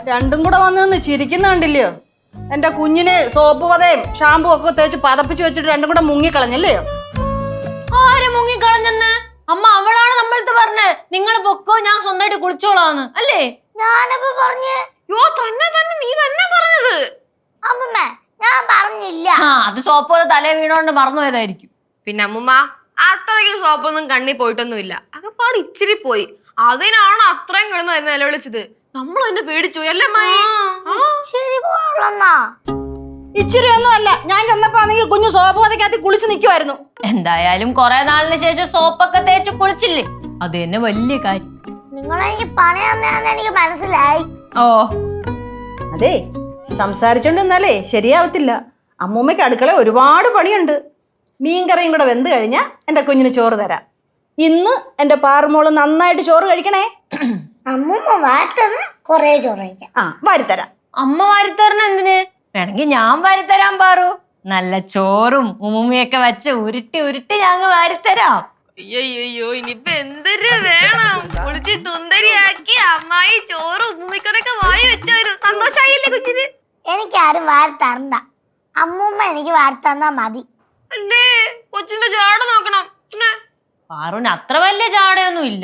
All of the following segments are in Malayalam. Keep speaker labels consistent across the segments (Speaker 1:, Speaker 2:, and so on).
Speaker 1: രണ്ടും കൂടെ വന്ന് നിന്ന് ചിരിക്കുന്ന കണ്ടില്ലയോ? എന്റെ കുഞ്ഞിനെ സോപ്പ് പതയും ഷാമ്പു ഒക്കെ തേച്ച് പതപ്പിച്ച് വെച്ചിട്ട് രണ്ടും കൂടെ മുങ്ങിക്കളഞ്ഞല്ലയോ?
Speaker 2: ആര് മുങ്ങിക്കളഞ്ഞെന്ന്? അമ്മ അവളാണ് നമ്മളടുത്ത് പറഞ്ഞേ നിങ്ങൾ പൊക്കോ, ഞാൻ സ്വന്തമായിട്ട് കുളിച്ചോളാന്ന് അല്ലേ?
Speaker 3: ഞാനപ്പോ പറഞ്ഞ്
Speaker 2: നീ തന്നെ പറഞ്ഞത്.
Speaker 3: അമ്മമ്മ ഞാൻ പറഞ്ഞില്ല.
Speaker 2: അത് സോപ്പ് തലേ വീണോണ്ട് മറന്നു പോയതായിരിക്കും.
Speaker 4: പിന്നെ അമ്മുമ്മ അത്രയ്ക്ക് സോപ്പൊന്നും കണ്ണി പോയിട്ടൊന്നുമില്ല. അകപ്പാട് ഇച്ചിരി പോയി. അതിനാണ് അത്രയും കിടന്ന് നിലവിളിച്ചത്. നമ്മൾ തന്നെ പേടിച്ചു അല്ലേ മായി?
Speaker 3: ശരി പോളന്നാ.
Speaker 1: ഇച്ചിരി ഒന്നും അല്ല, ഞാൻ ചെന്നപ്പോ ആണെങ്കിൽ കുഞ്ഞു സോപ്പ് പതക്കകത്ത് കുളിച്ച് നിൽക്കുമായിരുന്നു.
Speaker 2: എന്തായാലും കൊറേ നാളിന് ശേഷം സോപ്പൊക്കെ തേച്ച് കുളിച്ചില്ലേ, അത് തന്നെ വലിയ കാര്യം.
Speaker 3: നിങ്ങളെനിക്ക് പണി തന്നെയാന്ന് എനിക്ക് മനസ്സിലായി.
Speaker 2: ഓ
Speaker 1: അതെ, സംസാരിച്ചോണ്ട് നിന്നാലേ ശരിയാവത്തില്ല. അമ്മൂമ്മയ്ക്ക് അടുക്കള ഒരുപാട് പണിയുണ്ട്. മീൻകറിയും കൂടെ വെന്ത് കഴിഞ്ഞാൽ എൻ്റെ കുഞ്ഞിന് ചോറ് തരാം. ഇന്ന് എൻ്റെ പാറുമോള് നന്നായിട്ട് ചോറ് കഴിക്കണേ.
Speaker 3: അമ്മൂമ്മ വാർത്തത് കൊറേ ചോറ് കഴിക്കാം.
Speaker 1: ആ, വാരിത്തരാം.
Speaker 2: അമ്മ വാരിത്തരണ എന്തിന്? വേണമെങ്കിൽ ഞാൻ വാരിത്തരാൻ പാറു. നല്ല ചോറും ഉമ്മുമ്മയൊക്കെ വെച്ച് ഉരുട്ടി ഉരുട്ടി ഞങ്ങൾ വാരിത്തരാം.
Speaker 4: അയ്യോ ഇനിയിപ്പൊ എന്തൊരു വേണം? കുളിച്ച് സുന്ദരിയാക്കി അമ്മായി ചോറും ഉമ്മിക്കടൊക്കെ വായി വെച്ചവരും സന്തോഷായില്ലേ കുഞ്ഞിന്?
Speaker 3: എനിക്കാരും വാർത്തറണ്ട. അമ്മൂമ്മ എനിക്ക് വാർത്തന്നാ മതി.
Speaker 4: അല്ലേ കൊച്ചിന്റെ ജാട നോക്കണം.
Speaker 2: പാറുവിന് അത്ര വലിയ ചാടയൊന്നും ഇല്ല.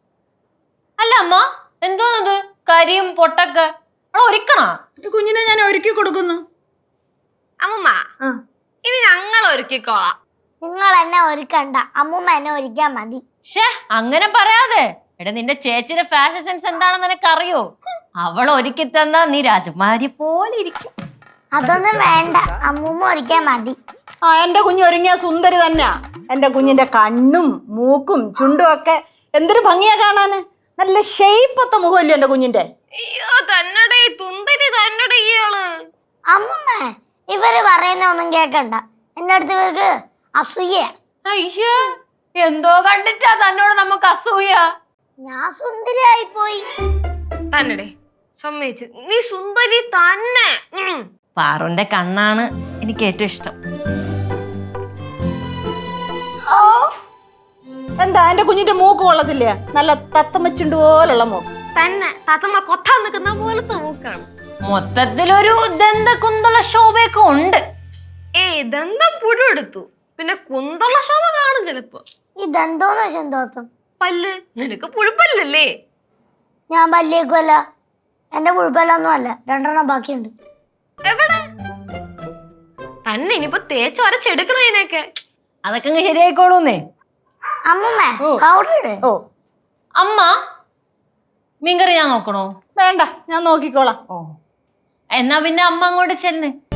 Speaker 2: അല്ല അമ്മ, എന്തോന്നത് കരിയും പൊട്ടൊക്കെ ഒരുക്കണ?
Speaker 1: കുഞ്ഞിനെ ഞാൻ ഒരുക്കി കൊടുക്കുന്നു.
Speaker 4: അമ്മുമ്മ ഇനി ഞങ്ങൾ ഒരുക്കിക്കോളാം.
Speaker 3: നിങ്ങൾ എന്നെ ഒരുക്കണ്ട, അമ്മൂമ്മ എന്നെ ഒരുക്കാൻ മതി.
Speaker 2: ഷേ അങ്ങനെ പറയാതെ. എടാ നിന്റെ ചേച്ചിയുടെ ഫാഷൻ സെൻസ് എന്താണെന്ന് നിനക്ക് അറിയോ? അവൾ ഒരുക്കി തന്നാ നീ രാജകുമാരി പോലെ ഇരിക്കും.
Speaker 3: അതൊന്നും വേണ്ട, അമ്മൂമ്മ ഒരുക്കാൻ മതി.
Speaker 1: ആ, എൻ്റെ കുഞ്ഞ് ഒരുങ്ങിയ സുന്ദരി തന്നെയാ. എൻ്റെ കുഞ്ഞിൻ്റെ കണ്ണും മൂക്കും ചുണ്ടും ഒക്കെ എന്തൊരു ഭംഗിയാ കാണാന്. നല്ല ഷെയ്പ്പത്തെ മുഖമല്ലേ എൻ്റെ കുഞ്ഞിൻ്റെ?
Speaker 4: അയ്യോ തന്നടേ തുന്തരി തന്നടേ ഇയാള്.
Speaker 3: അമ്മൂമ്മ ഇവര് പറയുന്ന ഒന്നും കേക്കണ്ട. എന്റെ അടുത്ത് ഇവർക്ക് അസൂയ.
Speaker 2: അയ്യോ, എന്തോ കണ്ടിട്ടാ തന്നോട് നമുക്ക് അസൂയ?
Speaker 3: ഞാൻ സുന്ദരിയായി പോയി.
Speaker 4: തന്നടേ സമ്മതിച്ചു, നീ സുന്ദരി തന്നെ.
Speaker 2: പാറുന്റെ കണ്ണാണ് എനിക്ക് ഏറ്റവും ഇഷ്ടം.
Speaker 1: എന്താ എൻ്റെ കുഞ്ഞിൻ്റെ മൂക്ക് കൊള്ളത്തില്ല? നല്ല തത്തമ്മച്ചുണ്ട് പോലുള്ള മൂക്ക്
Speaker 4: തന്നെ. താത്തമ്മ കൊത്താൻ നിൽക്കുന്ന പോലത്തെ മൂക്കാണ്.
Speaker 2: മൊത്തത്തിലൊരു ദന്ത കുന്തള ശോഭയൊക്കെ ഉണ്ട്.
Speaker 4: ദന്തം പുഴു എടുത്തു, പിന്നെ കുന്തള ശോഭ കാണും ചിലപ്പോ.
Speaker 3: ഇതെന്തോന്ന് വെച്ചാൽ തോത്തും
Speaker 4: പല്ല് നിനക്ക് പുഴുപ്പല്ലല്ലേ?
Speaker 3: ഞാൻ പല്ലിയേക്കുമല്ല, എന്റെ പുഴുപ്പല്ലൊന്നും അല്ല, 2 ബാക്കിയുണ്ട്.
Speaker 4: എവിടെ തന്നെ? ഇനിയിപ്പോ തേച്ച് വരച്ചെടുക്കണം ഇതിനൊക്കെ.
Speaker 2: അതൊക്കെ അങ്ങ് ശരിയായിക്കോളൂന്നേ.
Speaker 3: അമ്മൂമ്മ പൗഡർ ഇട്.
Speaker 1: ഓ,
Speaker 2: അമ്മ മീൻകറി ഞാൻ നോക്കണോ?
Speaker 1: വേണ്ട, ഞാൻ നോക്കിക്കോളാം.
Speaker 2: ഓ എന്നാ പിന്നെ അമ്മ അങ്ങോട്ട് ചെല്ല്.